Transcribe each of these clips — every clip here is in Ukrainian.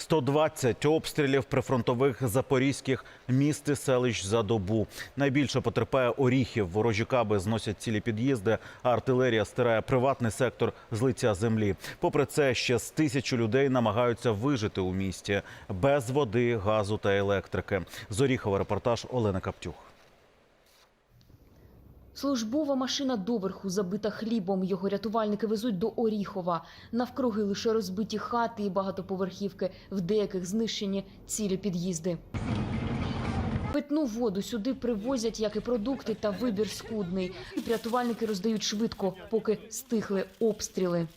120 обстрілів прифронтових запорізьких міст і селищ за добу. Найбільше потерпає Оріхів. Ворожі каби зносять цілі під'їзди, а артилерія стирає приватний сектор з лиця землі. Попри це, ще з 1000 людей намагаються вижити у місті без води, газу та електрики. З Оріхова репортаж Олени Каптюх. Службова машина доверху забита хлібом. Його рятувальники везуть до Оріхова. Навкруги лише розбиті хати і багатоповерхівки. В деяких знищені цілі під'їзди. Питну воду сюди привозять, як і продукти, та вибір скудний. Рятувальники роздають швидко, поки стихли обстріли.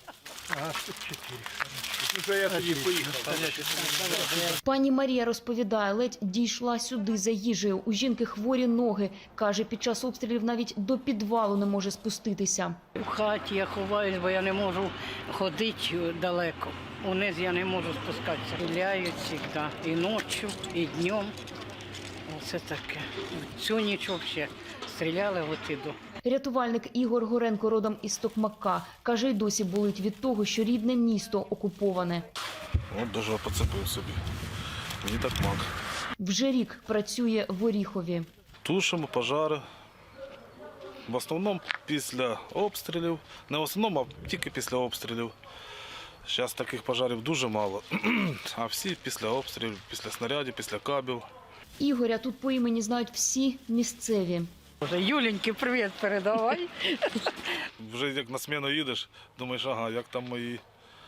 Пані Марія розповідає, ледь дійшла сюди за їжею. У жінки хворі ноги. Каже, під час обстрілів навіть до підвалу не може спуститися. В хаті я ховаюсь, бо я не можу ходити далеко. Униз я не можу спускатися. Стріляють завжди, і ночі, і днем. Оце таке. Цю ніч взагалі стріляли от і до. Рятувальник Ігор Горенко родом із Токмака. Каже, й досі болить від того, що рідне місто окуповане. От даже поцепив собі. Мені так мак. Вже рік працює в Оріхові. Тушимо пожари. В основному після обстрілів. Не в основному, а тільки після обстрілів. Зараз таких пожарів дуже мало. А всі після обстрілів, після снарядів, після кабів. Ігоря тут по імені знають всі місцеві. Юленьки, привіт передавай. Вже як на зміну їдеш, думаєш, ага, як там мої.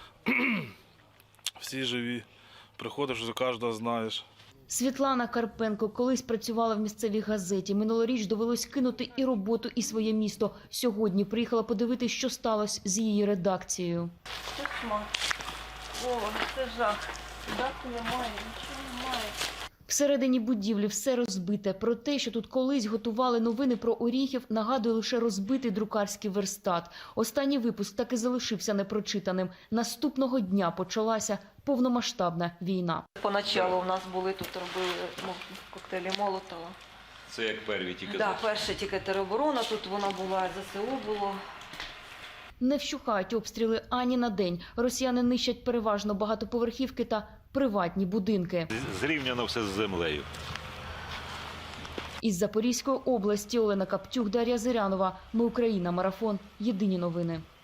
Всі живі. Приходиш, вже кожного знаєш. Світлана Карпенко колись працювала в місцевій газеті. Минулоріч довелось кинути і роботу, і своє місто. Сьогодні приїхала подивитися, що сталося з її редакцією. Кошмар. О, це жах. Дати немає, нічого немає. Всередині будівлі все розбите. Про те, що тут колись готували новини про Оріхів, нагадує лише розбитий друкарський верстат. Останній випуск так і залишився непрочитаним. Наступного дня почалася повномасштабна війна. Поначалу у нас були тут, робили коктейлі Молотова. Це як перві тільки? Так, перша тільки тероборона, тут вона була, ЗСУ було. Не вщухають обстріли ані на день. Росіяни нищать переважно багатоповерхівки та приватні будинки. Зрівняно все з землею. Із Запорізької області Олена Каптюх, Дар'я Зирянова. Ми Україна. Марафон. Єдині новини.